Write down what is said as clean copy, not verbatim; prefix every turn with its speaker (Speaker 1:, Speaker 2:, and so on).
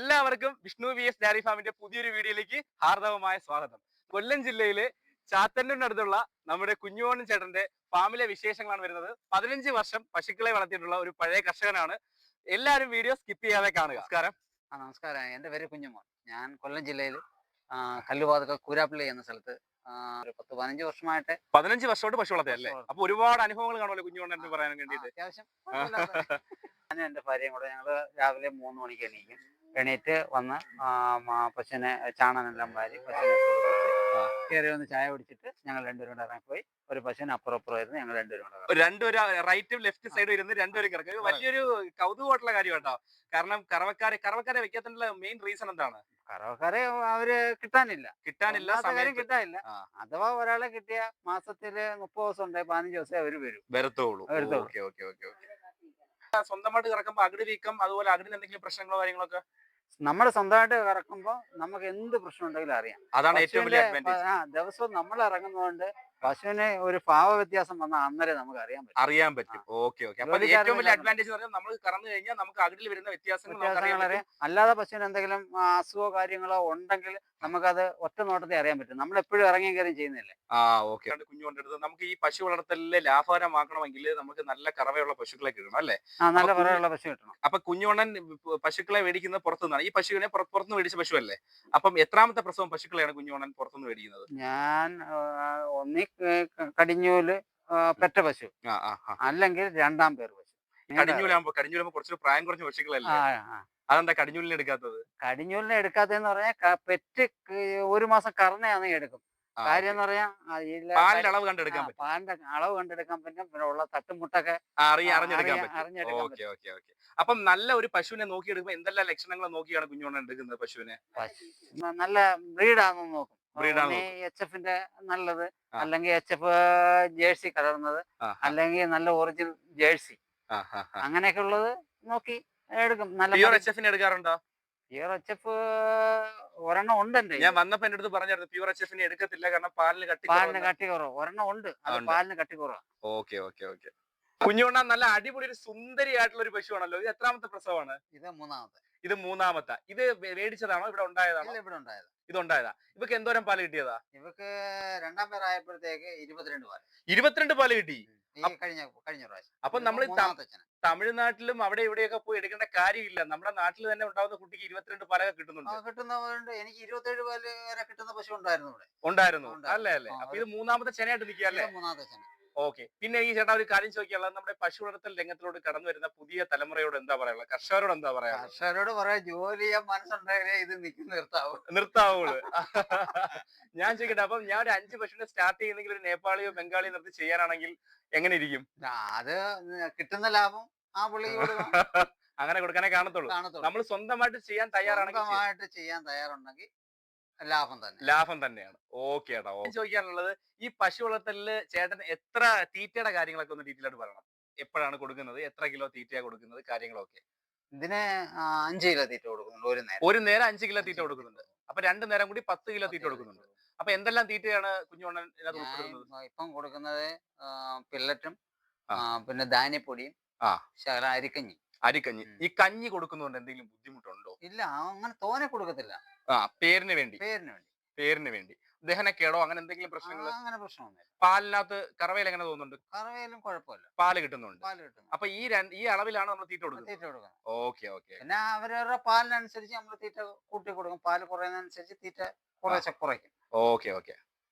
Speaker 1: എല്ലാവർക്കും Vishnu VS diary ഫാമിന്റെ പുതിയൊരു വീഡിയോയിലേക്ക് ഹാർദവമായ സ്വാഗതം. കൊല്ലം ജില്ലയിലെ ചാത്തന്നൂരിനടുത്തുള്ള നമ്മുടെ കുഞ്ഞുമോൻ ചേട്ടന്റെ ഫാമിലെ വിശേഷങ്ങളാണ് വരുന്നത്. 15 വർഷം പശുക്കളെ വളർത്തിയിട്ടുള്ള ഒരു പഴയ കർഷകനാണ്. എല്ലാവരും വീഡിയോ സ്കിപ്പ് ചെയ്യാതെ കാണുക. നമസ്കാരം.
Speaker 2: നമസ്കാരം. എൻ്റെ പേര് കുഞ്ഞുമോൻ. ഞാൻ കൊല്ലം ജില്ലയിൽ കല്ലുവാതുക്കൽ കൂരാപ്പള്ളി എന്ന സ്ഥലത്ത് ഒരു 10-15 വർഷമായിട്ട്
Speaker 1: 15 വർഷമായിട്ട് പശു വളർത്തിയല്ലേ? അപ്പൊ ഒരുപാട് അനുഭവങ്ങൾ കാണുമല്ലോ കുഞ്ഞുമോൻ എന്ന് പറയാൻ വേണ്ടിയിട്ട്.
Speaker 2: അത്യാവശ്യം ഞാനും എൻ്റെ ഭാര്യയും കൂടെ ഞങ്ങൾ രാവിലെ 3 മണിക്ക് എണീറ്റ് വന്ന് പശുവിനെ ചാണനെല്ലാം വാരി പശുവിനെ കയറി വന്ന് ചായ കുടിച്ചിട്ട് ഞങ്ങൾ രണ്ടുപേരും കൂടെ ഇറങ്ങിപ്പോയി. ഒരു പശുവിന് അപ്പുറമായിരുന്നു. ഞങ്ങൾ
Speaker 1: രണ്ടുപേരും റൈറ്റും ലെഫ്റ്റ് സൈഡും ഇരുന്ന് രണ്ടുപേരും കിടക്കും. വലിയൊരു കൗതുകമായിട്ടുള്ള കാര്യം കേട്ടോ. കാരണം കറവക്കാരെ വെക്കാത്തതിനുള്ള മെയിൻ റീസൺ എന്താണ്?
Speaker 2: കറവക്കാരെ അവര് കിട്ടാനില്ല.
Speaker 1: കാര്യം
Speaker 2: കിട്ടാനില്ല. അഥവാ ഒരാളെ കിട്ടിയ മാസത്തില് 30 ദിവസം ഉണ്ട്, 15 ദിവസം അവര്
Speaker 1: വരത്തുള്ളൂ. സ്വന്തമായിട്ട് കറക്കുമ്പോ അകിട് വീക്കം അതുപോലെ അകിടിന് എന്തെങ്കിലും പ്രശ്നങ്ങളോ കാര്യങ്ങളൊക്കെ
Speaker 2: നമ്മൾ സ്വന്തമായിട്ട് കറക്കുമ്പോ നമുക്ക് എന്ത് പ്രശ്നം ഉണ്ടെങ്കിലും അറിയാം.
Speaker 1: അതാണ് ഏറ്റവും വലിയ അഡ്വാൻറ്റേജ്.
Speaker 2: ദിവസവും നമ്മൾ ഇറങ്ങുന്നതുകൊണ്ട് പശുവിന് ഒരു ഭാവ വ്യത്യാസം വന്നാൽ അന്നേരം നമുക്ക് അറിയാൻ പറ്റും.
Speaker 1: അപ്പൊ ഏറ്റവും വലിയ അഡ്വാൻറ്റേജ് പറഞ്ഞാൽ നമ്മൾ കറന്നു കഴിഞ്ഞാൽ നമുക്ക് അകിടിൽ വരുന്ന വ്യത്യാസങ്ങൾ അറിയാം.
Speaker 2: അല്ലാതെ പശുവിന് എന്തെങ്കിലും അസുഖമോ കാര്യങ്ങളോ ഉണ്ടെങ്കിൽ നമുക്കത് ഒറ്റ നോട്ടത്തിൽ അറിയാൻ പറ്റും. നമ്മൾ എപ്പോഴും ഇറങ്ങിയും കയറിയും ചെയ്യുന്നില്ലേ.
Speaker 1: കുഞ്ഞുകൊണ്ടെടുത്ത് നമുക്ക് ഈ പശു വളർത്തലിലെ ലാഭകരമാക്കണമെങ്കിൽ നമുക്ക് നല്ല കറവയുള്ള പശുക്കളെ കിട്ടണം അല്ലേ?
Speaker 2: നല്ല കറവയുള്ള പശു കിട്ടണം.
Speaker 1: അപ്പൊ കുഞ്ഞുകൊണ്ടൻ പശുക്കളെ മേടിക്കുന്നത് പുറത്തുനിന്നാണ്. ഈ പശുവിനെ പുറത്തുനിന്ന് മേടിച്ച പശു അല്ലേ? അപ്പം എത്രാമത്തെ പ്രസവം പശുക്കളെയാണ് കുഞ്ഞുകൊണ്ടൻ പുറത്തുനിന്ന് മേടിക്കുന്നത്?
Speaker 2: ഞാൻ കടിഞ്ഞൂല് പെറ്റ പശു, അല്ലെങ്കിൽ 2ാം പേർ പശു.
Speaker 1: കടിഞ്ഞൂലാകുമ്പോ കുറച്ചൊരു പ്രായം കുറഞ്ഞ പശുക്കളല്ലേ? അതെന്താ കടിഞ്ഞൂലിനെ എടുക്കാത്തത്?
Speaker 2: കടിഞ്ഞൂലിനെ എടുക്കാത്തതെന്ന് പറഞ്ഞാൽ പെറ്റ് 1 മാസം കറന്നയാണെങ്കിൽ എടുക്കും. കാര്യം എന്ന് പറഞ്ഞാൽ
Speaker 1: പാലിന്റെ അളവ് കണ്ടെടുക്കാൻ പറ്റും.
Speaker 2: പാലിന്റെ അളവ് കണ്ടെടുക്കാൻ പറ്റും. പിന്നെ ഉള്ള തട്ടുമുട്ടൊക്കെ
Speaker 1: അറിഞ്ഞെടുക്കാൻ പറ്റും. അപ്പം നല്ല ഒരു പശുവിനെ നോക്കിയെടുക്കുമ്പോ എന്തെല്ലാം ലക്ഷണങ്ങൾ നോക്കിയാണ് കുഞ്ഞുകൊണ്ടൻ എടുക്കുന്നത് പശുവിനെ?
Speaker 2: നല്ല ബ്രീഡാണെന്ന് നോക്കും. HF-ന്റെ നല്ലത്, അല്ലെങ്കിൽ HF ജേഴ്സി കലർന്നത്, അല്ലെങ്കിൽ നല്ല ഒറിജിനൽ ജേഴ്സി, അങ്ങനെയൊക്കെ ഉള്ളത് നോക്കി എടുക്കും.
Speaker 1: നല്ല എടുക്കാറുണ്ടോ?
Speaker 2: പ്യൂർ HF ഒരെണ്ണം ഉണ്ട്.
Speaker 1: ഞാൻ വന്നപ്പോ എന്റെ അടുത്ത് പറഞ്ഞായിരുന്നു പ്യൂർ HF എടുക്കത്തില്ല, കാരണം പാലിന്
Speaker 2: കട്ടി കുറവ്. ഒരെണ്ണം ഉണ്ട്, പാലിന് കട്ടി കുറവാണ്.
Speaker 1: ഓക്കെ. കുഞ്ഞുകൊണ്ടാൻ നല്ല അടിപൊളി ഒരു സുന്ദരിയായിട്ടുള്ള ഒരു പശുവാണല്ലോ. ഇത് എത്രാമത്തെ പ്രസവമാണ്?
Speaker 2: ഇത്
Speaker 1: മൂന്നാമത്തെ. ഇത് മേടിച്ചതാണോ ഇവിടെ ഉണ്ടായതാണോ?
Speaker 2: ഇവിടെ ഉണ്ടായത്.
Speaker 1: ഇതുണ്ടായതാ. ഇവക്ക് എന്തോരം പാല് കിട്ടിയതാ?
Speaker 2: ഇവക്ക് 2ാം പേരായപ്പോഴത്തേക്ക് 22 പാല്.
Speaker 1: 22 പാല് കിട്ടി
Speaker 2: കഴിഞ്ഞ പ്രാവശ്യം.
Speaker 1: അപ്പൊ നമ്മൾ തമിഴ്നാട്ടിലും അവിടെ ഇവിടെയൊക്കെ പോയി എടുക്കേണ്ട കാര്യമില്ല. നമ്മുടെ നാട്ടിൽ തന്നെ ഉണ്ടാവുന്ന കുട്ടിക്ക് 22 പാലൊക്കെ
Speaker 2: കിട്ടുന്നവരുണ്ട്. എനിക്ക് 27 പാല് വരെ കിട്ടുന്ന പശു
Speaker 1: ഉണ്ടായിരുന്നു അല്ലേ? അപ്പൊ ഇത് 3ാമത്തെ ചെനയായിട്ട് നിൽക്കുകയല്ലേ?
Speaker 2: 3ാമത്തെ ചെന.
Speaker 1: ഓക്കെ. പിന്നെ ഈ ചേട്ടാ ഒരു കാര്യം ചോദിക്കാനുള്ളത്, നമ്മുടെ പശു വളർത്തൽ രംഗത്തിലോട്ട് കടന്നു വരുന്ന പുതിയ തലമുറയോട് എന്താ പറയാ? കർഷകരോട് എന്താ പറയാ?
Speaker 2: കർഷകരോട് പറയാ, ജോലി ചെയ്യാൻ മനസ്സുണ്ടെങ്കിലേ ഇത്
Speaker 1: നിർത്താവുള്ളൂ. ഞാൻ ചോദിക്കട്ടെ, അപ്പം ഞാൻ ഒരു 5 പശുവിനെ സ്റ്റാർട്ട് ചെയ്യുന്നെങ്കിൽ ഒരു നേപ്പാളിയോ ബംഗാളിയോ നിർത്തി ചെയ്യാനാണെങ്കിൽ എങ്ങനെ ഇരിക്കും?
Speaker 2: അത് കിട്ടുന്ന ലാഭം ആ പുള്ളി
Speaker 1: അങ്ങനെ കൊടുക്കാനേ കാണത്തുള്ളൂ. നമ്മൾ സ്വന്തമായിട്ട് ചെയ്യാൻ
Speaker 2: തയ്യാറുണ്ടെങ്കിൽ ലാഭം തന്നെയാണ്.
Speaker 1: ഓക്കെ ഏട്ടാ. ചോദിക്കാനുള്ളത്, ഈ പശു വളർത്തലില് ചേട്ടൻ എത്ര തീറ്റയുടെ കാര്യങ്ങളൊക്കെ ഒന്ന് ഡീറ്റെയിൽ ആയിട്ട് പറയണം. എപ്പോഴാണ് കൊടുക്കുന്നത്, എത്ര കിലോ തീറ്റയാണ് കൊടുക്കുന്നത്, കാര്യങ്ങളൊക്കെ?
Speaker 2: ഇതിന് 5 കിലോ തീറ്റ കൊടുക്കുന്നുണ്ട്.
Speaker 1: ഒരു നേരം 5 കിലോ തീറ്റ കൊടുക്കുന്നുണ്ട്. അപ്പൊ 2 നേരം കൂടി 10 കിലോ തീറ്റ കൊടുക്കുന്നുണ്ട്. അപ്പൊ എന്തെല്ലാം തീറ്റയാണ് കുഞ്ഞുകൊണ്ടൻ ഇതിനകത്ത് ഉൾപ്പെടുന്നത്?
Speaker 2: ഇപ്പം കൊടുക്കുന്നത് പില്ലറ്റും, പിന്നെ ധാന്യപ്പൊടിയും, ശകലം അരിക്കഞ്ഞി.
Speaker 1: ഈ കഞ്ഞി കൊടുക്കുന്നതുകൊണ്ട് എന്തെങ്കിലും ബുദ്ധിമുട്ടുണ്ടോ?
Speaker 2: ഇല്ല, അങ്ങനെ തോനെ കൊടുക്കത്തില്ല.
Speaker 1: പേരിന് വേണ്ടി. ദഹനക്കേടോ അങ്ങനെ എന്തെങ്കിലും പ്രശ്നങ്ങൾ?
Speaker 2: അങ്ങനെ പ്രശ്നമൊന്നുമില്ല.
Speaker 1: പാലിനകത്ത് കറവയിൽ എങ്ങനെ തോന്നുന്നുണ്ട്?
Speaker 2: കറവയിലും കുഴപ്പമില്ല,
Speaker 1: പാല് കിട്ടുന്നുണ്ട്. അപ്പൊ ഈ അളവിലാണ് നമ്മൾ തീറ്റ കൊടുക്കുന്നത്. ഓക്കെ.
Speaker 2: പിന്നെ അവരവരുടെ പാലിനനുസരിച്ച് നമ്മൾ തീറ്റ കൂട്ടി കൊടുക്കും. പാല് കുറയുന്നതനുസരിച്ച് തീറ്റ കുറയ്ക്കും.
Speaker 1: ഓക്കെ.